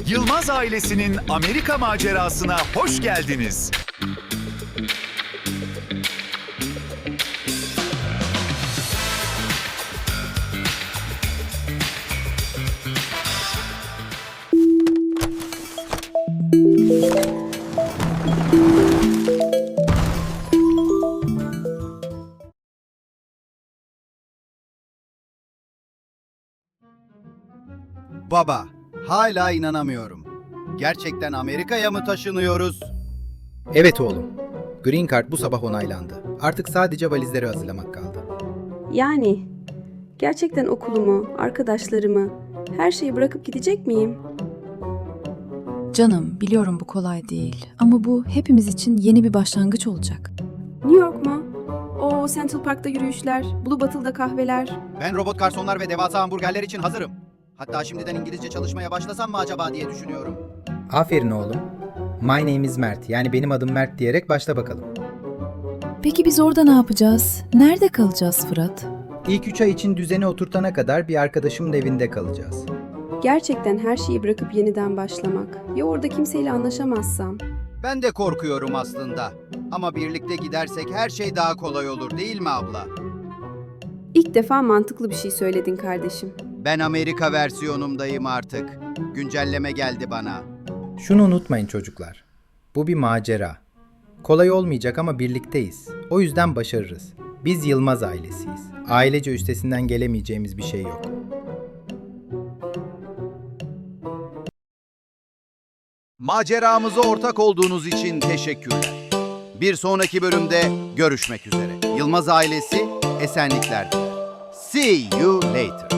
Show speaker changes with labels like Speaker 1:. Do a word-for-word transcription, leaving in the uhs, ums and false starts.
Speaker 1: Yılmaz ailesinin Amerika macerasına hoş geldiniz.
Speaker 2: Baba, hala inanamıyorum. Gerçekten Amerika'ya mı taşınıyoruz?
Speaker 3: Evet oğlum. Green Card bu sabah onaylandı. Artık sadece valizleri hazırlamak kaldı.
Speaker 4: Yani gerçekten okulumu, arkadaşlarımı, her şeyi bırakıp gidecek miyim?
Speaker 5: Canım, biliyorum bu kolay değil ama bu hepimiz için yeni bir başlangıç olacak.
Speaker 4: New York mu? O Central Park'ta yürüyüşler, Blue Bottle'da kahveler.
Speaker 2: Ben robot garsonlar ve devasa hamburgerler için hazırım. Hatta şimdiden İngilizce çalışmaya başlasam mı acaba diye düşünüyorum.
Speaker 3: Aferin oğlum. My name is Mert. Yani benim adım Mert diyerek başla bakalım.
Speaker 5: Peki biz orada ne yapacağız? Nerede kalacağız Fırat?
Speaker 3: İlk üç ay için düzeni oturtana kadar bir arkadaşımın evinde kalacağız.
Speaker 4: Gerçekten her şeyi bırakıp yeniden başlamak. Ya orada kimseyle anlaşamazsam?
Speaker 2: Ben de korkuyorum aslında. Ama birlikte gidersek her şey daha kolay olur değil mi abla?
Speaker 4: İlk defa mantıklı bir şey söyledin kardeşim.
Speaker 2: Ben Amerika versiyonumdayım artık. Güncelleme geldi bana.
Speaker 3: Şunu unutmayın çocuklar. Bu bir macera. Kolay olmayacak ama birlikteyiz. O yüzden başarırız. Biz Yılmaz ailesiyiz. Ailece üstesinden gelemeyeceğimiz bir şey yok.
Speaker 2: Maceramıza ortak olduğunuz için teşekkürler. Bir sonraki bölümde görüşmek üzere. Yılmaz ailesi esenlikler diler. See you later.